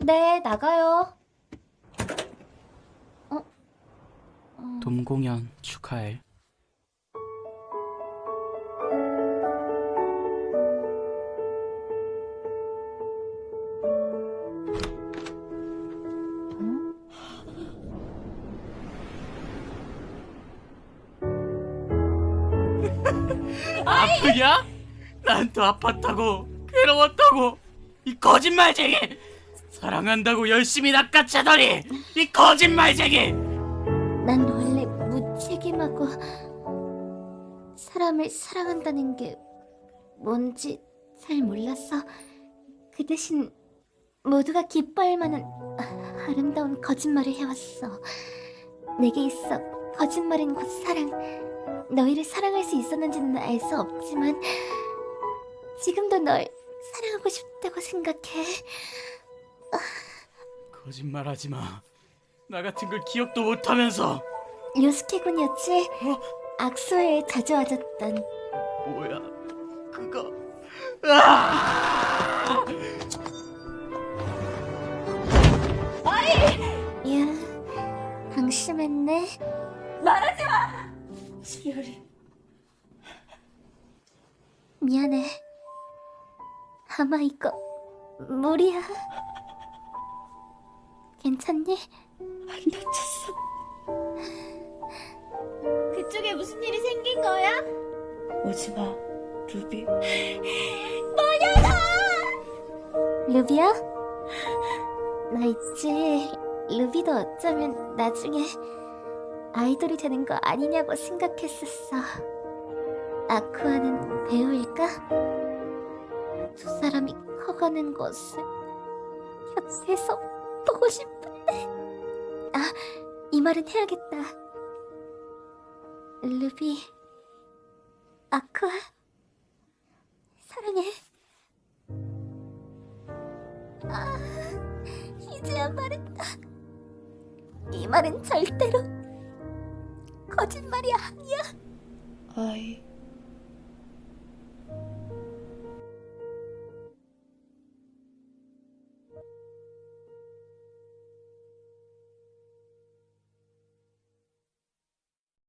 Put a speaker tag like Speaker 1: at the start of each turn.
Speaker 1: 네, 나가요.
Speaker 2: 돔 공연 축하해. 아프냐? 난 또 아팠다고 괴로웠다고 이 거짓말쟁이! 사랑한다고 열심히 낚아채더니 이 거짓말쟁이!
Speaker 1: 난 원래 무책임하고 사람을 사랑한다는 게 뭔지 잘 몰라서 그 대신 모두가 기뻐할 만한 아름다운 거짓말을 해왔어. 내게 있어 거짓말은 곧 사랑. 너희를 사랑할 수 있었는지는 알 수 없지만 지금도 널 사랑하고 싶다고 생각해.
Speaker 2: 거짓말하지 마. 나 같은 걸 기억도 못하면서.
Speaker 1: 요스케군이었지? 악수에 자주 와줬던.
Speaker 2: 뭐야 그거. 아!
Speaker 1: 야, 방심했네.
Speaker 3: 수열이
Speaker 1: 미안해. 아마 이거 무리야. 괜찮니?
Speaker 3: 안 다쳤어.
Speaker 1: 그쪽에 무슨 일이 생긴 거야?
Speaker 3: 오지마, 루비.
Speaker 1: 루비야? 나 있지. 루비도 어쩌면 나중에 아이돌이 되는 거 아니냐고 생각했었어. 아쿠아는 배우일까? 두 사람이 커가는 것을 곁에서 보고 싶은데. 아, 이 말은 해야겠다. 루비, 아쿠아, 사랑해. 아, 이제야 말했다. 이 말은 절대로 거짓말이 아니야.
Speaker 3: 아이